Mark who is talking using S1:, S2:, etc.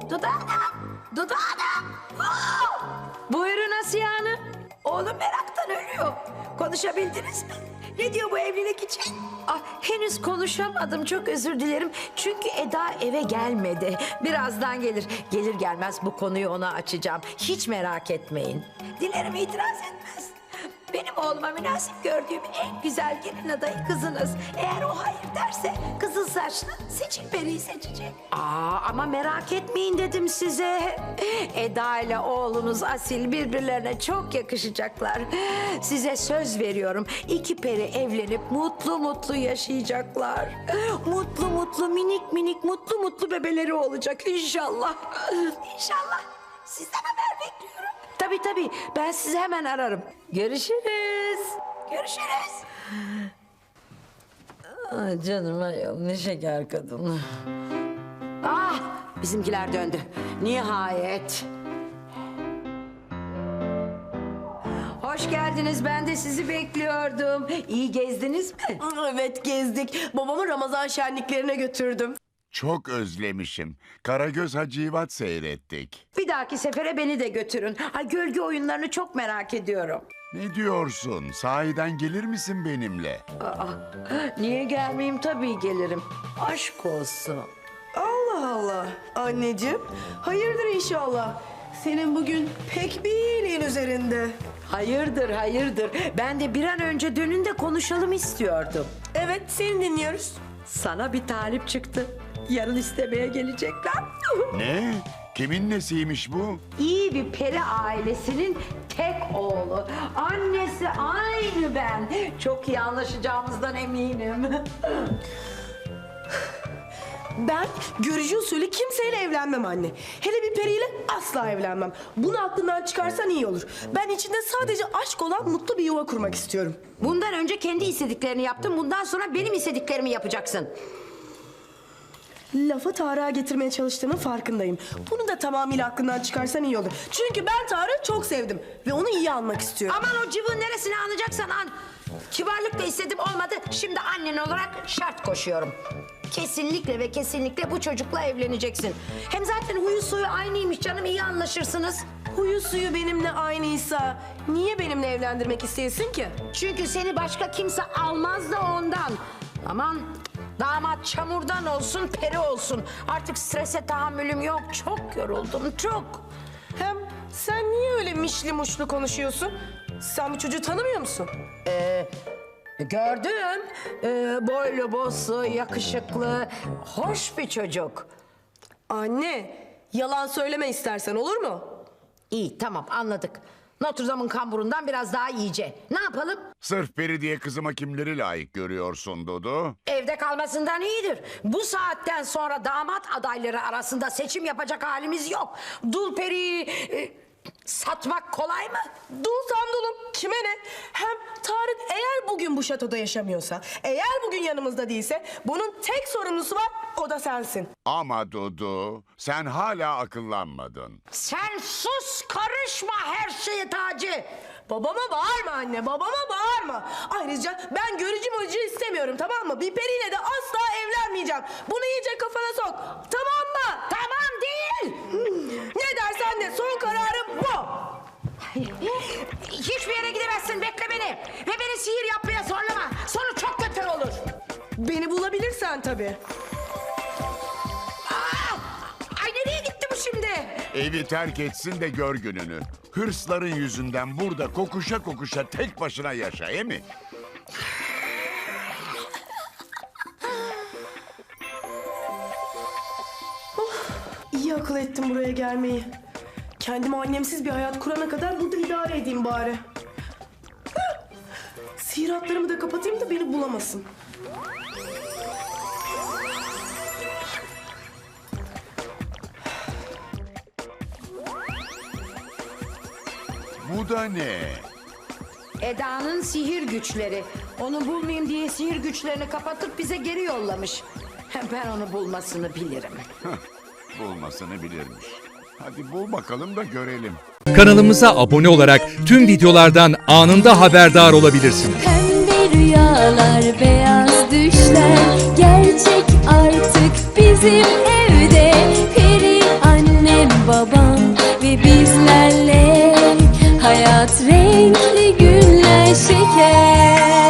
S1: Dudu Hanım! Dudu Hanım! Aa!
S2: Buyurun Asiye Hanım.
S1: Oğlum meraktan ölüyor. Konuşabildiniz mi? Ne diyor bu evlilik için?
S2: Ah, henüz konuşamadım, çok özür dilerim. Çünkü Eda eve gelmedi. Birazdan gelir. Gelir gelmez bu konuyu ona açacağım. Hiç merak etmeyin.
S1: Dilerim itiraz etmez. Benim oğluma münasip gördüğüm en güzel gelin adayı kızınız. Eğer o hayır derse kızıl saçlı Seçil Peri'yi seçecek.
S2: Ama merak etmeyin dedim size. Eda ile oğlunuz Asil birbirlerine çok yakışacaklar. Size söz veriyorum. İki peri evlenip mutlu mutlu yaşayacaklar. Mutlu mutlu minik minik mutlu mutlu bebeleri olacak inşallah.
S1: İnşallah. Sizden haber bekliyorum.
S2: Tabii ben sizi hemen ararım. Görüşürüz.
S1: Görüşürüz.
S2: Ay canım ayol ne şeker kadın. Ah bizimkiler döndü. Nihayet. Hoş geldiniz, ben de sizi bekliyordum. İyi gezdiniz mi?
S3: Evet gezdik. Babamı Ramazan şenliklerine götürdüm.
S4: Çok özlemişim. Karagöz Hacivat seyrettik.
S2: Bir dahaki sefere beni de götürün. Ay, gölge oyunlarını çok merak ediyorum.
S4: Ne diyorsun? Sahiden gelir misin benimle?
S2: Niye gelmeyeyim, tabii gelirim. Aşk olsun.
S3: Allah Allah. Anneciğim, hayırdır inşallah. Senin bugün pek bir iyiliğin üzerinde.
S2: Hayırdır. Ben de bir an önce dönün de konuşalım istiyordum.
S3: Evet, seni dinliyoruz.
S2: Sana bir talip çıktı. Yarın istemeye gelecekler.
S4: Ne? Kimin nesiymiş bu?
S2: İyi bir peri ailesinin tek oğlu. Annesi aynı ben. Çok iyi anlaşacağımızdan eminim.
S3: Ben görücü usulü kimseyle evlenmem anne. Hele bir periyle asla evlenmem. Bunu aklından çıkarsan iyi olur. Ben içinde sadece aşk olan mutlu bir yuva kurmak istiyorum.
S2: Bundan önce kendi istediklerini yaptın. Bundan sonra benim istediklerimi yapacaksın.
S3: Lafı Tarık'a getirmeye çalıştığının farkındayım. Bunu da tamamıyla aklından çıkarsan iyi olur. Çünkü ben Tarık'ı çok sevdim ve onu iyi almak istiyorum.
S2: Aman o cıvığın neresini anlayacaksan an. Kibarlık da istedim olmadı. Şimdi annen olarak şart koşuyorum. Kesinlikle ve kesinlikle bu çocukla evleneceksin. Hem zaten huyu suyu aynıymış canım, iyi anlaşırsınız.
S3: Huyu suyu benimle aynıysa niye benimle evlendirmek isteyesin ki?
S2: Çünkü seni başka kimse almaz da ondan. Aman damat çamurdan olsun peri olsun. Artık strese tahammülüm yok. Çok yoruldum çok.
S3: Hem sen niye öyle mişli muşlu konuşuyorsun? Sen bu çocuğu tanımıyor musun?
S2: Gördüm. Boylu boslu, yakışıklı, hoş bir çocuk.
S3: Anne, yalan söyleme istersen olur mu?
S2: İyi tamam anladık. Notre Dame'ın kamburundan biraz daha iyice. Ne yapalım?
S4: Sırf peri diye kızıma kimleri layık görüyorsun Dudu?
S2: Evde kalmasından iyidir. Bu saatten sonra damat adayları arasında seçim yapacak halimiz yok. Dul periyi satmak kolay mı?
S3: Dulsam dulum, kime ne? Hem Tarık eğer bugün bu şatoda yaşamıyorsa, eğer bugün yanımızda değilse bunun tek sorumlusu var, o da sensin.
S4: Ama Dudu, sen hala akıllanmadın.
S2: Sen sus, karışma her şeye Taci.
S3: Babama bağırma anne, babama bağırma. Ayrıca ben görücü mürücü istemiyorum, tamam mı? Bir periyle de asla evlenmeyeceğim. Bunu iyice kafana sok, tamam mı?
S2: Tamam değil.
S3: Ne dersen de son kararım bu.
S2: Hiçbir yere gidemezsin, bekle beni. Ve beni sihir yapmaya zorlama. Sonu çok kötü olur.
S3: Beni bulabilirsen tabii.
S2: Ay nereye gitti bu şimdi?
S4: Evi terk etsin de gör gününü. Hırsların yüzünden burada kokuşa kokuşa tek başına yaşa, he mi?
S3: İyi akıl ettim buraya gelmeyi. Kendime annemsiz bir hayat kurana kadar burada idare edeyim bari. Sihir hatlarımı da kapatayım da beni bulamasın.
S4: Bu da ne?
S2: Eda'nın sihir güçleri. Onu bulmayayım diye sihir güçlerini kapatıp bize geri yollamış. Ben onu bulmasını bilirim.
S4: Bulmasını bilirmiş. Hadi bul bakalım da görelim.
S5: Kanalımıza abone olarak tüm videolardan anında haberdar olabilirsiniz.
S6: Pembe rüyalar, beyaz düşler gerçek artık bizim evde. Peri anne ve bizlerle hayat renkli günler şeker.